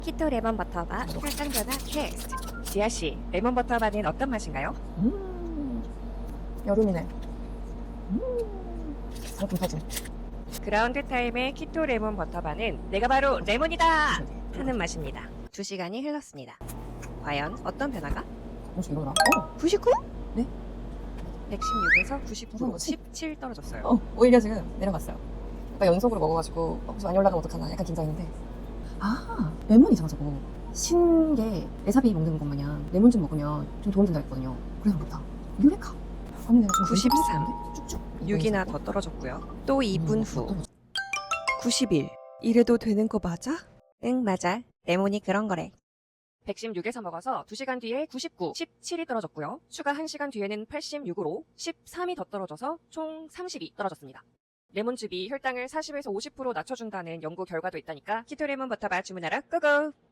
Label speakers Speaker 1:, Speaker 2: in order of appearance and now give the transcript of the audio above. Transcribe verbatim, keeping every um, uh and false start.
Speaker 1: 키토 레몬 버터바 혈당 변화 테스트. 지아 씨, 레몬 버터바는 어떤 맛인가요?
Speaker 2: 음, 여름이네. 음, 상품 터진.
Speaker 1: 그라운드 타임의 키토 레몬 버터바는 내가 바로 레몬이다 하는 맛입니다. 두 시간이 흘렀습니다. 과연 어떤 변화가?
Speaker 2: 혹시 이거나? 어,
Speaker 1: 구십구?
Speaker 2: 네?
Speaker 1: 백십육에서 구십구,
Speaker 2: 뭐지?
Speaker 1: 십칠 떨어졌어요.
Speaker 2: 어, 오히려 지금 내려갔어요. 아까 연속으로 먹어가지고 어, 혹시 많이 올라가면 어떡하나 약간 긴장인데. 아, 레몬이잖아 저거. 신게 레사비 먹는 것 마냥 레몬즙 먹으면 좀 도움 된다 했거든요. 그래서 그렇다. 유레카. 아니 내가 지금
Speaker 1: 구십삼.
Speaker 2: 쭉쭉.
Speaker 1: 육이나 더 떨어졌고요. 또 이 분
Speaker 2: 음,
Speaker 1: 후. 구십일. 이래도 되는 거 맞아? 응, 맞아. 레몬이 그런 거래. 백십육에서 먹어서 두 시간 뒤에 구십구, 십칠이 떨어졌고요. 추가 한 시간 뒤에는 팔십육으로 십삼이 더 떨어져서 총 삼십이 떨어졌습니다. 레몬즙이 혈당을 사십에서 오십 퍼센트 낮춰준다는 연구 결과도 있다니까 키토 레몬 버터바 주문하러 고고!